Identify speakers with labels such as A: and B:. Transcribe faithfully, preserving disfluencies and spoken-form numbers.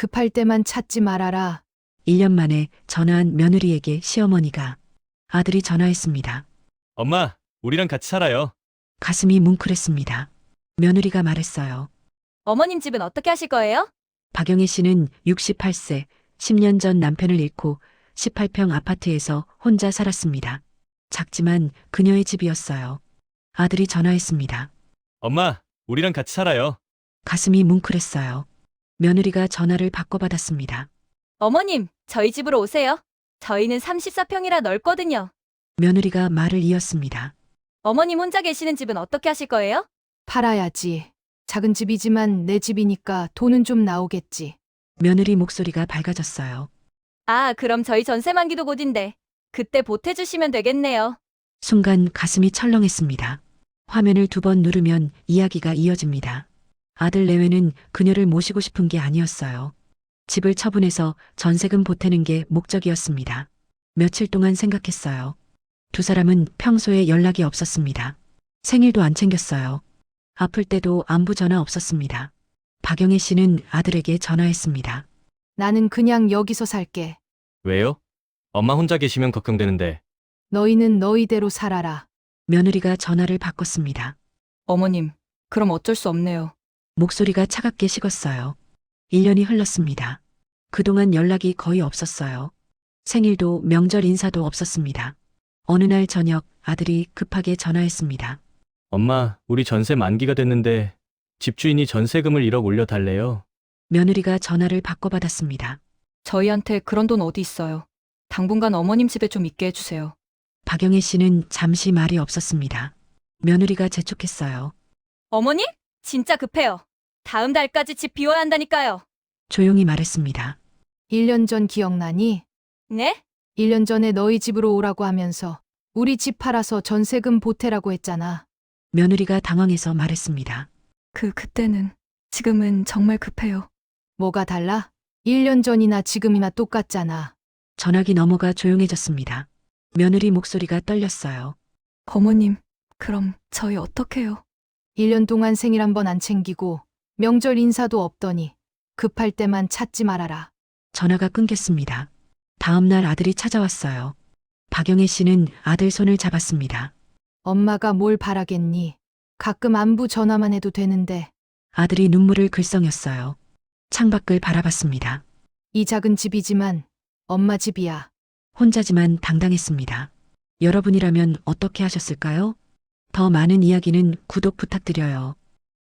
A: 급할 때만 찾지 말아라.
B: 일 년 만에 전화한 며느리에게 시어머니가 아들이 전화했습니다.
C: 엄마, 우리랑 같이 살아요.
B: 가슴이 뭉클했습니다. 며느리가 말했어요.
D: 어머님 집은 어떻게 하실 거예요?
B: 박영애 씨는 육십팔 세, 십 년 전 남편을 잃고 십팔 평 아파트에서 혼자 살았습니다. 작지만 그녀의 집이었어요. 아들이 전화했습니다.
C: 엄마, 우리랑 같이 살아요.
B: 가슴이 뭉클했어요. 며느리가 전화를 바꿔받았습니다.
D: 어머님, 저희 집으로 오세요. 저희는 삼십사 평이라 넓거든요.
B: 며느리가 말을 이었습니다.
D: 어머님 혼자 계시는 집은 어떻게 하실 거예요?
A: 팔아야지. 작은 집이지만 내 집이니까 돈은 좀 나오겠지.
B: 며느리 목소리가 밝아졌어요.
D: 아, 그럼 저희 전세 만기도 곧인데 그때 보태주시면 되겠네요.
B: 순간 가슴이 철렁했습니다. 화면을 두 번 누르면 이야기가 이어집니다. 아들 내외는 그녀를 모시고 싶은 게 아니었어요. 집을 처분해서 전세금 보태는 게 목적이었습니다. 며칠 동안 생각했어요. 두 사람은 평소에 연락이 없었습니다. 생일도 안 챙겼어요. 아플 때도 안부 전화 없었습니다. 박영애 씨는 아들에게 전화했습니다.
A: 나는 그냥 여기서 살게.
C: 왜요? 엄마 혼자 계시면 걱정되는데.
A: 너희는 너희대로 살아라.
B: 며느리가 전화를 바꿨습니다.
D: 어머님, 그럼 어쩔 수 없네요.
B: 목소리가 차갑게 식었어요. 일 년이 흘렀습니다. 그동안 연락이 거의 없었어요. 생일도 명절 인사도 없었습니다. 어느 날 저녁 아들이 급하게 전화했습니다.
C: 엄마, 우리 전세 만기가 됐는데 집주인이 전세금을 일억 올려달래요.
B: 며느리가 전화를 바꿔받았습니다.
D: 저희한테 그런 돈 어디 있어요. 당분간 어머님 집에 좀 있게 해주세요.
B: 박영애 씨는 잠시 말이 없었습니다. 며느리가 재촉했어요.
D: 어머님? 진짜 급해요. 다음 달까지 집 비워야 한다니까요.
B: 조용히 말했습니다.
A: 일 년 전 기억나니?
D: 네?
A: 일 년 전에 너희 집으로 오라고 하면서 우리 집 팔아서 전세금 보태라고 했잖아.
B: 며느리가 당황해서 말했습니다.
D: 그 그때는 지금은 정말 급해요.
A: 뭐가 달라? 일 년 전이나 지금이나 똑같잖아.
B: 전화기 넘어가 조용해졌습니다. 며느리 목소리가 떨렸어요.
D: 어머님, 그럼 저희 어떡해요?
A: 일 년 동안 생일 한 번 안 챙기고 명절 인사도 없더니 급할 때만 찾지 말아라.
B: 전화가 끊겼습니다. 다음 날 아들이 찾아왔어요. 박영애 씨는 아들 손을 잡았습니다.
A: 엄마가 뭘 바라겠니? 가끔 안부 전화만 해도 되는데
B: 아들이 눈물을 글썽였어요. 창밖을 바라봤습니다.
A: 이 작은 집이지만 엄마 집이야.
B: 혼자지만 당당했습니다. 여러분이라면 어떻게 하셨을까요? 더 많은 이야기는 구독 부탁드려요.